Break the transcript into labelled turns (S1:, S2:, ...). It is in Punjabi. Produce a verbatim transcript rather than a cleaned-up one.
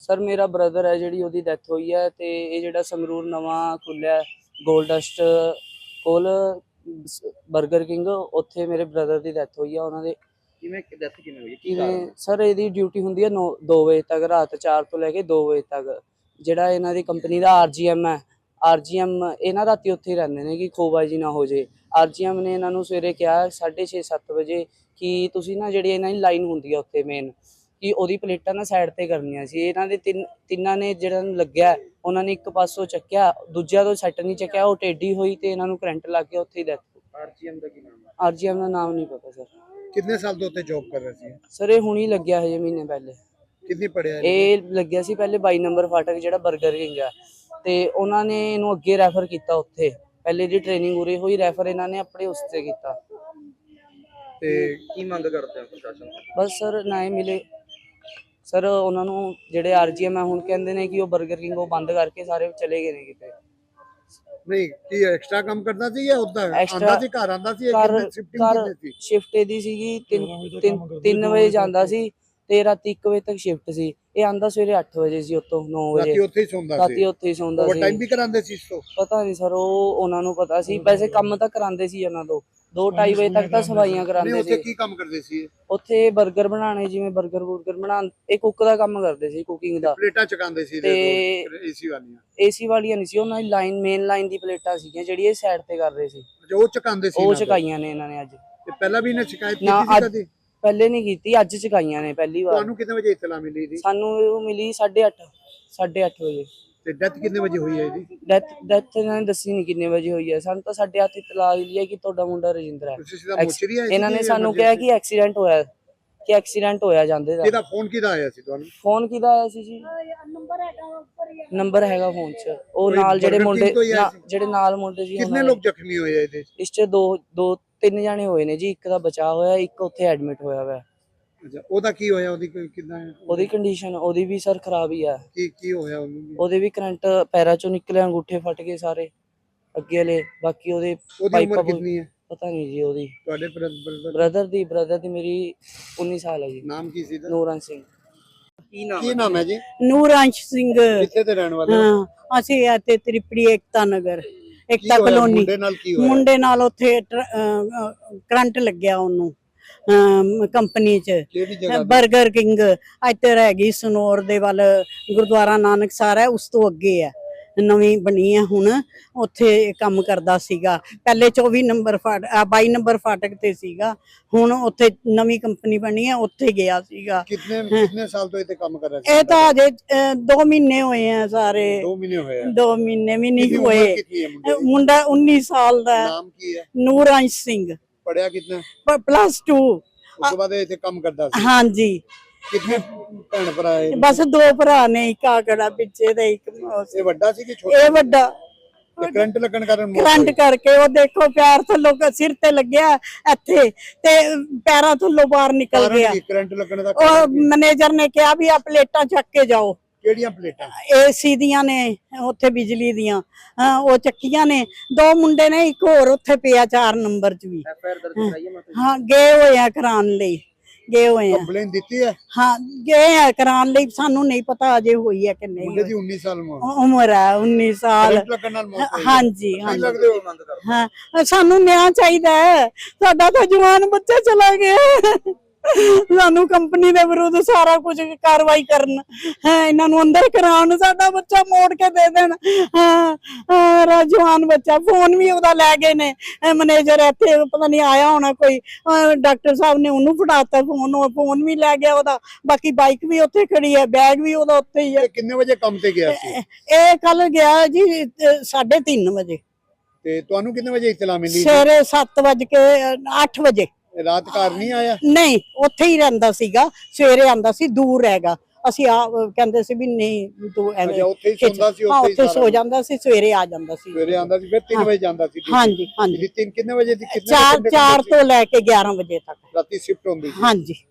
S1: सर मेरा ब्रदर है जी ਉਹਦੀ ਡੈਥ ਹੋਈ ਹੈ ਤੇ ਇਹ ਜਿਹੜਾ ਸੰਗਰੂਰ ਨਵਾਂ ਖੁੱਲਿਆ ਗੋਲਡਸਟ ਕੋਲ 버ਗਰ ਕਿੰਗ ਉੱਥੇ ਮੇਰੇ ਬ੍ਰਦਰ ਦੀ ਡੈਥ ਹੋਈ ਹੈ। ਉਹਨਾਂ ਦੇ
S2: ਕਿਵੇਂ ਡੈਥ ਕਿਵੇਂ ਹੋਈ ਕੀ ਕਾਰਨ?
S1: ਸਰ ਇਹਦੀ ਡਿਊਟੀ ਹੁੰਦੀ ਹੈ ਦੋ ਵਜੇ ਤੱਕ, ਰਾਤ ਚਾਰ ਤੋਂ ਲੈ ਕੇ ਦੋ ਵਜੇ ਤੱਕ। ਜਿਹੜਾ ਇਹਨਾਂ ਦੀ ਕੰਪਨੀ ਦਾ ਆਰਜੀਐਮ ਹੈ, ਆਰਜੀਐਮ ਇਹਨਾਂ ਰਾਤੀ ਉੱਥੇ ਹੀ ਰਹਿੰਦੇ ਨੇ ਕਿ ਖੋਬਾਜੀ ਨਾ ਹੋ ਜੇ। ਆਰਜੀਐਮ ਨੇ ਇਹਨਾਂ ਨੂੰ ਸਵੇਰੇ ਕਿਹਾ ਸਾਢੇ ਛੇ ਸੱਤ ਵਜੇ ਕਿ ਤੁਸੀਂ ਨਾ ਜਿਹੜੀ ਇਹਨਾਂ ਦੀ ਲਾਈਨ ਹੁੰਦੀ ਆ ਉੱਥੇ ਮੇਨ ਕਿ ਉਹਦੀ ਪਲੇਟਾਂ ਨਾ ਸਾਈਡ ਤੇ ਕਰਨੀਆਂ ਸੀ। ਇਹਨਾਂ ਦੇ ਤਿੰਨ ਤਿੰਨਾਂ ਨੇ ਜਿਹੜਾ ਨੂੰ ਲੱਗਿਆ ਉਹਨਾਂ ਨੇ ਇੱਕ ਪਾਸੋਂ ਚੱਕਿਆ, ਦੂਜਿਆਂ ਤੋਂ ਸੈੱਟ ਨਹੀਂ ਚੱਕਿਆ, ਉਹ ਟੇਢੀ ਹੋਈ ਤੇ ਇਹਨਾਂ ਨੂੰ ਕਰੰਟ ਲੱਗ ਗਿਆ, ਉੱਥੇ ਹੀ ਡੈਥ।
S2: ਆਰਜੀਐਮ ਦਾ ਕੀ ਨਾਮ ਹੈ?
S1: ਆਰਜੀਐਮ ਦਾ ਨਾਮ ਨਹੀਂ ਪਤਾ ਸਰ।
S3: कितने साल तो उत्ते जॉब कर रहे सी?
S1: ਸਰ ਇਹ ਹੁਣੀ ਲੱਗਿਆ ਹਜੇ ਮਹੀਨੇ ਪਹਿਲੇ।
S3: कितनी पढ़िया है?
S1: ਇਹ ਲੱਗਿਆ ਸੀ ਪਹਿਲੇ ਬਾਈ ਨੰਬਰ ਫਾਟਕ ਜਿਹੜਾ 버ਗਰ ਕਿੰਗ ਆ ਤੇ ਉਹਨਾਂ ਨੇ ਇਹਨੂੰ ਅੱਗੇ ਰੈਫਰ ਕੀਤਾ ਉੱਥੇ। ਪਹਿਲੇ ਦੀ ਟ੍ਰੇਨਿੰਗ ਉਰੇ ਹੋਈ, ਰੈਫਰ ਇਹਨਾਂ ਨੇ ਆਪਣੇ ਉਸ ਤੇ ਕੀਤਾ।
S3: ਤੇ
S2: ਕੀ ਮੰਗ ਕਰਦੇ ਆ ਪ੍ਰਸ਼ਾਸਨ ਤੋਂ?
S1: ਬਸ ਸਰ ਨਾ ਹੀ ਮਿਲੇ ਸਰ ਉਹਨਾਂ ਨੂੰ। ਜਿਹੜੇ ਆਰਜੀਐਮ ਆ ਹੁਣ ਕਹਿੰਦੇ ਨੇ ਕਿ ਉਹ 버ਗਰ ਕਿੰਗ ਉਹ ਬੰਦ ਕਰਕੇ ਸਾਰੇ ਚਲੇ ਗਏ ਨੇ ਕਿਤੇ।
S3: नहीं की एक्स्ट्रा काम करता सी या उदा
S1: Extra-
S3: आंदा सी घर आंदा सी
S1: ਘਰ
S3: कितने शिफ्टिंग
S1: ਘਰ
S3: कितने सी?
S1: ਸ਼ਿਫਟ ਇਹਦੀ ਸੀਗੀ ਤਿੰਨ ਵਜੇ ਜਾਂਦਾ ਸੀ ਤੇ ਰਾਤੀ ਇੱਕ ਵਜੇ ਤੱਕ ਸ਼ਿਫਟ ਸੀ। ਇਹ ਆਂਦਾ ਸਵੇਰੇ ਅੱਠ ਵਜੇ ਸੀ, ਉੱਤੋਂ ਨੌ ਵਜੇ
S3: राती उत्थे ही सोंदा सी?
S1: ਰਾਤੀ ਉੱਥੇ ਹੀ ਸੌਂਦਾ
S3: ओवर
S1: ਸੀ।
S3: टाइम भी करांदे सी इसको?
S1: ਪਤਾ ਨਹੀਂ ਸਰ, ਉਹ ਉਹਨਾਂ ਨੂੰ ਪਤਾ ਸੀ। ਵੈਸੇ ਕੰਮ ਤਾਂ ਕਰਾਉਂਦੇ ਸੀ ਉਹਨਾਂ ਤੋਂ, ਦੋ ਢਾਈ ਵਜੇ ਤੱਕ ਤਾਂ ਸਫਾਈਆਂ
S3: नहीं
S1: ਕਰਾਉਂਦੇ
S3: उत्थे
S1: ਸੀ।
S3: की काम करदे सी?
S1: ਉੱਥੇ 버ਗਰ ਬਣਾਉਣੇ, ਜਿਵੇਂ 버ਗਰ ਬੁਰਗਰ ਬਣਾਉਣ, ਇਹ ਕੁੱਕ ਦਾ ਕੰਮ ਕਰਦੇ ਸੀ, ਕੁਕਿੰਗ ਦਾ।
S3: प्लेटा चकांदे सी
S1: ते
S3: एसी वालियां?
S1: ਏਸੀ ਵਾਲੀਆਂ ਨਹੀਂ ਸੀ, ਉਹਨਾਂ ਦੀ ਲਾਈਨ ਮੇਨ ਲਾਈਨ ਦੀ ਪਲੇਟਾਂ ਸੀਗੀਆਂ ਜਿਹੜੀ ਇਹ ਸਾਈਡ ਤੇ ਕਰ ਰਹੇ ਸੀ।
S3: जो चकांदे सी
S1: ਉਹ
S3: ना?
S1: ਚਕਾਈਆਂ ਨੇ ਇਹਨਾਂ ਨੇ ਅੱਜ।
S3: ते पहला भी इन्हें शिकायत
S1: ना,
S3: की थी
S1: आज-
S3: कदी?
S1: ਪਹਿਲੇ ਨਹੀਂ ਕੀਤੀ, ਅੱਜ ਚਕਾਈਆਂ ਨੇ ਪਹਿਲੀ ਵਾਰ।
S3: ਤੁਹਾਨੂੰ कितने बजे इत्तला मिली थी?
S1: ਸਾਨੂੰ ਉਹ ਮਿਲੀ ਸਾਢੇ ਅੱਠ ਸਾਢੇ ਅੱਠ ਵਜੇ।
S3: ते डेथ कितने बजे हुई है ਇਹਦੀ?
S1: ਡੈਥ ਡੈਥ ਇਹਨਾਂ ਨੇ ਦੱਸੀ ਨਹੀਂ ਕਿੰਨੇ ਵਜੇ ਹੋਈ ਹੈ। ਸਾਨੂੰ ਤਾਂ ਸਾਢੇ ਅੱਠ ਇਤਲਾਹ ਮਿਲੀ ਹੈ ਕਿ ਤੁਹਾਡਾ ਮੁੰਡਾ ਰਜਿੰਦਰ ਹੈ।
S3: ਤੁਸੀਂ ਸਿੱਧਾ ਮੋਚਰੀ ਆਏ ਸੀ?
S1: ਇਹਨਾਂ ਨੇ ਸਾਨੂੰ ਕਿਹਾ ਕਿ ਐਕਸੀਡੈਂਟ ਹੋਇਆ, ਕਿ ਐਕਸੀਡੈਂਟ ਹੋਇਆ ਜਾਂਦੇ ਦਾ।
S3: ਕਿਹਦਾ ਫੋਨ ਕਿਹਦਾ ਆਇਆ ਸੀ ਤੁਹਾਨੂੰ?
S1: ਫੋਨ ਕਿਹਦਾ ਆਇਆ ਸੀ ਜੀ? ਨੰਬਰ ਹੈਗਾ ਫੋਨ 'ਚ। ਉਹ ਨਾਲ ਜਿਹੜੇ
S3: Burger King
S1: ਮੁੰਡੇ
S3: ਤੋਂ ਹੀ ਆਇਆ
S1: ਨਾ-
S3: ਸੀ?
S1: ਜਿਹੜੇ ਨਾਲ ਮੁੰਡੇ ਸੀ
S3: ਕਿੰਨੇ ਲੋਕ ਜ਼ਖਮੀ ਹੋਏ ਆ ਇਹਦੇ?
S1: ਇਸ 'ਚ ਦੋ ਦੋ ਤਿੰਨ ਜਾਣੇ ਹੋਏ ਨੇ ਜੀ। ਇੱਕ ਦਾ ਬਚਾਅ ਹੋਇਆ, ਇੱਕ ਉੱਥੇ ਐਡਮਿਟ ਹੋਇਆ ਹੋਇਆ।
S3: ਅੱਛਾ, ਉਹਦਾ ਕੀ ਹੋਇਆ? ਉਹਦੀ ਕੋਈ ਕਿੱਦਾਂ ਹੈ?
S1: ਉਹਦੀ ਕੰਡੀਸ਼ਨ ਉਹਦੀ ਵੀ ਸਰ ਖਰਾਬ ਹੀ ਆ।
S3: ਕੀ ਕੀ ਹੋਇਆ ਉਹਨੂੰ?
S1: ਉਹਦੇ ਵੀ ਕਰੰਟ ਪੈਰਾਂ 'ਚੋਂ ਨਿਕਲੇ, ਅੰਗੂਠੇ ਫਟ ਗਏ ਸਾਰੇ ਅੱਗੇ ਵਾਲੇ। ਬਾਕੀ ਉਹਦੇ
S3: ਉਹਦੀ
S1: ਪਾਈਪਾਂ
S3: ਉਮਰ ਕਿੰਨੀ ਹੈ
S1: ਪਤਾ ਨਹੀਂ ਜੀ। ਉਹਦੀ
S3: ਤੁਹਾਡੇ ਬ੍ਰਦਰ?
S1: ਬ੍ਰਦਰ ਦੀ ਬ੍ਰਦਰ ਦੀ ਮੇਰੀ ਉੱਨੀ ਸਾਲ ਹੈ ਜੀ।
S3: ਨਾਮ ਕੀ ਸੀ ਇਹਦਾ?
S1: ਨੂਰਨ ਸਿੰਘ।
S2: ਕੀ ਨਾਮ
S3: ਕੀ ਨਾਮ ਹੈ ਜੀ?
S4: ਨੂਰਾਂਸ਼ ਸਿੰਘ।
S3: ਕਿੱਥੇ ਦੇ ਰਹਿਣ ਵਾਲੇ ਹੋ?
S4: ਹਾਂ, ਅਸੀਂ ਇੱਥੇ ਤ੍ਰਿਪੜੀ ਏਕਤਾ ਨਗਰ,
S3: ਕੀ
S4: ਏਕਤਾ
S3: ਹੋਇਆ?
S4: ਕਲੋਨੀ।
S3: ਮੁੰਡੇ ਨਾਲ ਕੀ ਹੋਇਆ?
S4: ਮੁੰਡੇ ਨਾਲ ਉੱਥੇ ਕਰੰਟ ਲੱਗਿਆ ਉਹਨੂੰ ਕੰਪਨੀ ਚ,
S3: ਕਿਹੜੀ ਜਗ੍ਹਾ ਤੇ?
S4: 버ਗਰ ਕਿੰਗ। ਇੱਧਰ ਹੈਗੀ ਸਨੌਰ ਦੇ ਵੱਲ, ਗੁਰਦੁਆਰਾ ਨਾਨਕਸਰ ਹੈ, ਉਸ ਤੋਂ ਅੱਗੇ ਹੈ, ਨਵੀਂ ਬਣੀ ਹੈ ਹੁਣ। ਉੱਥੇ ਕੰਮ ਕਰਦਾ ਸੀਗਾ ਪਹਿਲੇ ਚੌਵੀ ਨੰਬਰ ਫਾਟ ਬਾਈ ਨੰਬਰ ਫਾਟਕ ਤੇ ਸੀਗਾ। ਹੁਣ ਉੱਥੇ ਨਵੀਂ ਕੰਪਨੀ ਬਣੀ ਹੈ, ਉੱਥੇ ਗਿਆ ਸੀਗਾ।
S3: ਕਿੰਨੇ ਕਿੰਨੇ ਸਾਲ ਤੋਂ ਇੱਥੇ ਕੰਮ ਕਰ ਰਿਹਾ ਸੀ?
S4: ਇਹ ਤਾਂ ਅਜੇ ਅ, ਦੋ ਮਹੀਨੇ ਹੋਏ ਆ ਸਾਰੇ।
S3: ਦੋ ਮਹੀਨੇ ਹੋਏ ਆ?
S4: ਦੋ ਮਹੀਨੇ ਵੀ
S3: ਕਿੰਨੀ
S4: ਨਹੀਂ
S3: ਉਮਰ
S4: ਹੋਏ।
S3: ਕਿੰਨੀ ਹੈ ਮੁੰਡੇ ਦੀ?
S4: ਮੁੰਡਾ ਉੱਨੀ ਸਾਲ ਦਾ ਹੈ।
S3: ਨਾਮ ਕੀ ਹੈ?
S4: ਨੂਰਾਂਸ਼ ਸਿੰਘ,
S3: ਪੜਿਆ ਕਿੰਨਾ?
S4: Plus two.
S3: ਉਸ ਤੋਂ ਬਾਅਦ ਇਹ ਇੱਥੇ ਕੰਮ ਕਰਦਾ ਸੀ?
S4: ਹਾਂਜੀ,
S3: ਕਿੰਨੇ ਭੈਣ ਭਰਾ ਹੈ?
S4: ਬਸ ਦੋ ਭਰਾ ਨੇ, ਇੱਕ ਆਕੜਾ ਪਿੱਛੇ ਤੇ ਇੱਕ ਮੌਸ-
S3: ਇਹ ਵੱਡਾ ਸੀ ਕਿ ਛੋਟਾ?
S4: ਇਹ ਵੱਡਾ।
S3: ਤੇ ਕਰੰਟ ਲੱਗਣ ਕਾਰਨ ਮੌਤ
S4: ਕਰੰਟ
S3: ਹੋਈ?
S4: ਕਰਕੇ ਉਹ ਦੇਖੋ ਪੈਰ ਥੱਲੋਂ ਸਿਰ ਤੇ ਲੱਗਿਆ ਇੱਥੇ ਤੇ ਪੈਰਾਂ ਥੱਲੋਂ ਬਾਹਰ ਨਿਕਲ
S3: ਕਾਰਨ
S4: ਗਿਆ।
S3: ਕੀ? ਕਰੰਟ ਲੱਗਣ ਦਾ
S4: ਉਹ
S3: ਕਾਰਨ ਕੀ?
S4: ਮੈਨੇਜਰ ਨੇ ਕਿਹਾ ਵੀ ਆ ਪਲੇਟਾਂ ਚੱਕ ਕੇ ਜਾਓ।
S3: ਕਿਹੜੀਆਂ ਪਲੇਟਾਂ?
S4: ਏਸੀ ਦੀਆਂ ਨੇ ਉੱਥੇ, ਬਿਜਲੀ ਦੀਆਂ। ਹਾਂ, ਉਹ ਚੱਕੀਆਂ ਨੇ। ਦੋ ਮੁੰਡੇ ਨੇ, ਇੱਕ ਹੋਰ ਉੱਥੇ ਪਿਆ ਚਾਰ ਨੰਬਰ ਚ ਵੀ।
S2: ਐਫ ਆਈ ਆਰ ਦਰਜ ਕਰਾਈ ਹੈ ਮਤਲਬ?
S4: ਹਾਂ, ਗਏ ਹੋਏ ਆ ਕਰਾਉਣ ਲਈ, ਗਏ ਹੋਏ ਆ।
S3: ਕੰਪਲੇਨ ਦਿੱਤੀ ਹੈ?
S4: ਹਾਂ, ਗਏ ਆ ਕਰਾਉਣ ਲਈ। ਸਾਨੂੰ ਨਹੀਂ ਪਤਾ ਅਜੇ ਹੋਈ ਹੈ ਕਿ ਨਹੀਂ
S3: ਮੁੰਡੇ
S4: ਹੋਈ।
S3: ਦੀ ਉੱਨੀ ਸਾਲ ਉਮਰ।
S4: ਉਮਰ ਹੈ ਉੱਨੀ ਸਾਲ।
S3: ਕਰੰਟ ਲੱਗਣ ਨਾਲ ਮੌਤ ਹੋਈ ਹੈ?
S4: ਹਾਂਜੀ
S3: ਕੀ
S4: ਹਾਂਜੀ।
S3: ਲੱਗਦੇ ਹੋ?
S2: ਮੰਗ ਕਰਦੇ
S4: ਹਾਂ, ਸਾਨੂੰ ਨਿਆਂ ਚਾਹੀਦਾ ਹੈ। ਸਾਡਾ ਤਾਂ ਜਵਾਨ ਬੱਚਾ ਚਲਾ ਗਿਆ। ਸਾਨੂੰ ਕੰਪਨੀ ਦੇ ਵਿਰੁੱਧ ਸਾਰਾ ਕੁਝ ਕਾਰਵਾਈ ਕਰਨ, ਹੈ ਇਹਨਾਂ ਨੂੰ ਅੰਦਰ ਕਰਾਉਣ, ਸਾਡਾ ਬੱਚਾ ਮੋੜ ਕੇ ਦੇ ਦੇਣ। ਹਾਂ, ਜਵਾਨ ਬੱਚਾ। ਫੋਨ ਵੀ ਉਹਦਾ ਲੈ ਗਏ ਨੇ ਮੈਨੇਜਰ, ਇੱਥੇ ਪਤਾ ਨਹੀਂ ਆਇਆ ਹੋਣਾ ਕੋਈ, ਡਾਕਟਰ ਸਾਹਿਬ ਨੇ ਉਹਨੂੰ ਫੜਾਤਾ ਫੋਨ, ਉਹ ਫੋਨ ਵੀ ਲੈ ਗਿਆ ਉਹਦਾ। ਬਾਕੀ ਬਾਈਕ ਵੀ ਉੱਥੇ ਖੜੀ ਹੈ, ਬੈਗ ਵੀ ਉਹਦਾ ਉੱਥੇ ਹੀ ਹੈ।
S3: ਇਹ ਕਿੰਨੇ ਵਜੇ ਕੰਮ ਤੇ ਗਿਆ ਸੀ?
S4: ਇਹ ਕੱਲ ਗਿਆ ਜੀ ਸਾਢੇ ਤਿੰਨ ਵਜੇ।
S3: ਤੇ ਤੁਹਾਨੂੰ ਕਿੰਨੇ ਵਜੇ ਇਤਲਾ ਮਿਲੀ?
S4: ਸਵੇਰੇ ਸੱਤ ਵਜ ਕੇ ਅੱਠ ਵਜੇ।
S3: ਰਾਤ ਘਰ ਨਹੀਂ ਆਇਆ?
S4: ਨਹੀਂ, ਉੱਥੇ ਹੀ ਰਹਿੰਦਾ ਸੀਗਾ। ਸਵੇਰੇ ਆਂਦਾ ਸੀ, ਦੂਰ ਹੈਗਾ। ਅਸੀਂ ਆ ਕਹਿੰਦੇ ਸੀ ਵੀ ਨਹੀਂ ਤੂੰ ਐਵੇਂ।
S3: ਅੱਛਾ, ਉੱਥੇ ਹੀ ਸੌਂਦਾ ਸੀ?
S4: ਹਾਂ,
S3: ਉੱਥੇ ਹੀ
S4: ਉੱਥੇ
S3: ਸਾਰਾ
S4: ਸੋ ਜਾਂਦਾ ਸੀ, ਸਵੇਰੇ ਆ ਜਾਂਦਾ ਸੀ।
S3: ਸਵੇਰੇ ਆਂਦਾ ਸੀ, ਫਿਰ ਤਿੰਨ ਵਜੇ ਜਾਂਦਾ ਸੀ?
S4: ਹਾਂਜੀ ਹਾਂਜੀ।
S3: ਤਿੰਨ ਕਿੰਨੇ ਵਜੇ ਦੀ? ਕਿੰਨੇ
S4: ਚਾਰ
S3: ਘੰਟੇ
S4: ਚਾਰ
S3: ਕੰਮ
S4: ਤੋਂ ਲੈ ਕੇ ਗਿਆਰਾਂ ਵਜੇ ਤੱਕ।
S3: ਰਾਤੀ ਸ਼ਿਫਟ ਹੁੰਦੀ ਸੀ?
S4: ਹਾਂਜੀ।